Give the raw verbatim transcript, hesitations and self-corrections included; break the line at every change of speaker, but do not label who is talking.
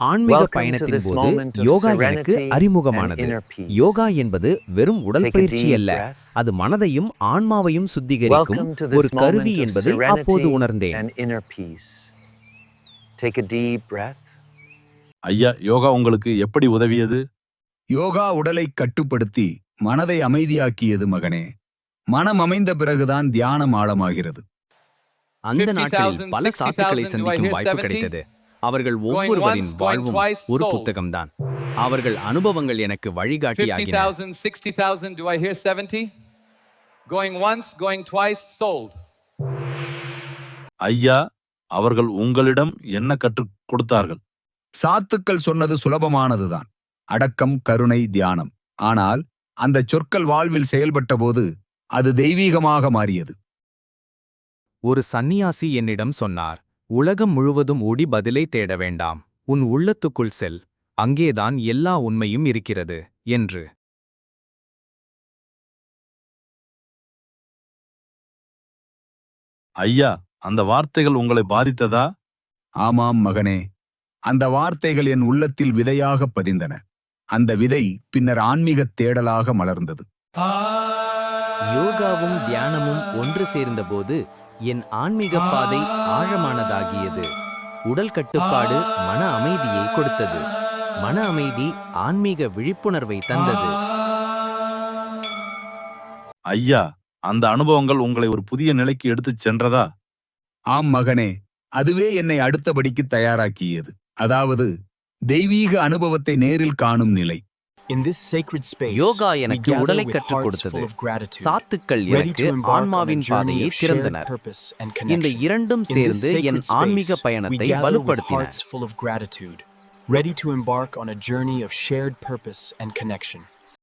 ஆன்மீக பயணத்தின் போது யோகா எனக்கு அறிமுகமானது. யோகா என்பது வெறும் உடற்பயிற்சி அல்ல, அது மனதையும் ஆன்மாவையும் சுத்திகரிக்கும் ஒரு கருவி என்பதை அப்போது உணர்ந்தேன்.
ஐயா, யோகா உங்களுக்கு எப்படி உதவியது?
யோகா உடலை கட்டுப்படுத்தி மனதை அமைதியாக்கியது மகனே. மனம் அமைந்த பிறகுதான் தியானம் ஆழமாகிறது.
அந்த நாட்களில் பல சாத்துக்களை சந்திக்கும் வாய்ப்பு கிடைத்தது. அவர்கள் ஒவ்வொருவரின் வாழ்வும் ஒரு புத்தகம்தான். அவர்கள் அனுபவங்கள் எனக்கு வழிகாட்டியாகின.
ஐயா, அவர்கள் உங்களிடம் என்ன கற்றுக் கொடுத்தார்கள்?
சாத்துக்கள் சொன்னது சுலபமானதுதான், அடக்கம், கருணை, தியானம். ஆனால் அந்த சொற்கள் வாழ்வில் செயல்பட்ட போது அது தெய்வீகமாக மாறியது.
ஒரு சந்நியாசி என்னிடம் சொன்னார், உலகம் முழுவதும் ஓடி பதிலை தேட வேண்டாம், உன் உள்ளத்துக்குள் செல், அங்கேதான் எல்லா உண்மையும் இருக்கிறது என்று.
ஐயா, அந்த வார்த்தைகள் உங்களை பாதித்ததா?
ஆமாம் மகனே, அந்த வார்த்தைகள் என் உள்ளத்தில் விதையாக பதிந்தன. அந்த விதை பின்னர் ஆன்மீகத் தேடலாக மலர்ந்தது.
யோகாவும் தியானமும் ஒன்று சேர்ந்தபோது என் ஆன்மீக பாதை ஆழமானதாகியது. உடல் கட்டுப்பாடு மன அமைதியை கொடுத்தது. மன அமைதி ஆன்மீக விழிப்புணர்வை தந்தது.
ஐயா, அந்த அனுபவங்கள் உங்களை ஒரு புதிய நிலைக்கு எடுத்துச் சென்றதா?
ஆம் மகனே, அதுவே என்னை அடுத்தபடிக்கு தயாராக்கியது. அதாவது தெய்வீக அனுபவத்தை நேரில் காணும் நிலை.
யோகா எனக்கு உடலை கற்றுக் கொடுத்தது. சாத்துக்கள் எனக்கு ஆன்மாவின் பாதையை திறந்தனர். இந்த இரண்டும் சேர்ந்து என் ஆன்மீக பயணத்தை வலுப்படுத்தின.
ready to embark on a journey of shared purpose and connection.